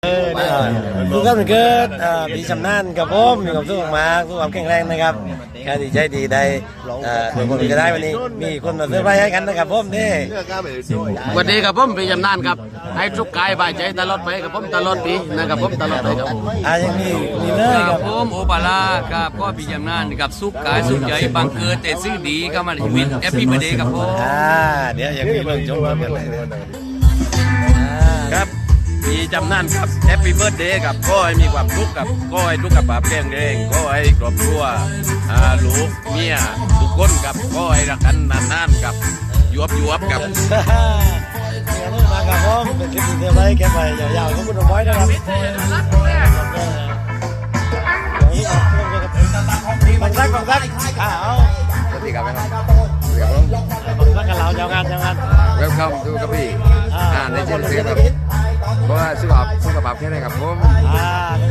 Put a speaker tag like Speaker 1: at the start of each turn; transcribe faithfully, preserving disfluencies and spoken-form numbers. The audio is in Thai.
Speaker 1: เออทุกท่านเกิดปีชำนาญกับผมมีความสุขมากสุขภาพแข็งแรงนะครับแค่ดีใจดีได้ทุกคนจะได้วันนี้มีคนมาเซอร์ไพรส์ให้กันนะครับผมนี่
Speaker 2: สวัสดีครับผมปีจำนานครับให้ทุกกายบายใจตลอดไปครับผมตลอดปีนะครับผมตลอดไปครับ
Speaker 1: อ่ายังมีมีเลยครับ
Speaker 3: ผมโอปาลาครับก็ปีจำนานกับสุขกายสุขใจบังเกิดแต่สิ่งดีเข้ามาในชีวิตแฮปปี้เบิร์ดเดย์ครับผม
Speaker 1: อ่าเดี๋ยวยังมีเรื่องชมกันเลยครับ
Speaker 4: ปีจำนั่นครับแฮปปี้เบิร์ดเดย์ครับก็ให้มีความสุขกับก็ให้ทุกกับปาแข็งแรงก็ให้ครอบครัวอ่าลูกเมียทุกคนกับก็ให้รักกันนานๆกับยวบยวบกับ
Speaker 1: มากับผมเป็นคลิปเซอร์ไพรส์แกไปยาวๆขอบคุณน้องบอยนะครับบังซักบังซักอ้าว
Speaker 2: สวัสดีครับครับสวัสดีครับผม
Speaker 1: บังซักกับเราเจ้างานเจ้างาน
Speaker 2: เวลคัมดูครับพี่อ่าในเจนซีครับเพราะว่าสุขภาพสุขภาพแค่ไหนครับผม
Speaker 1: อ่า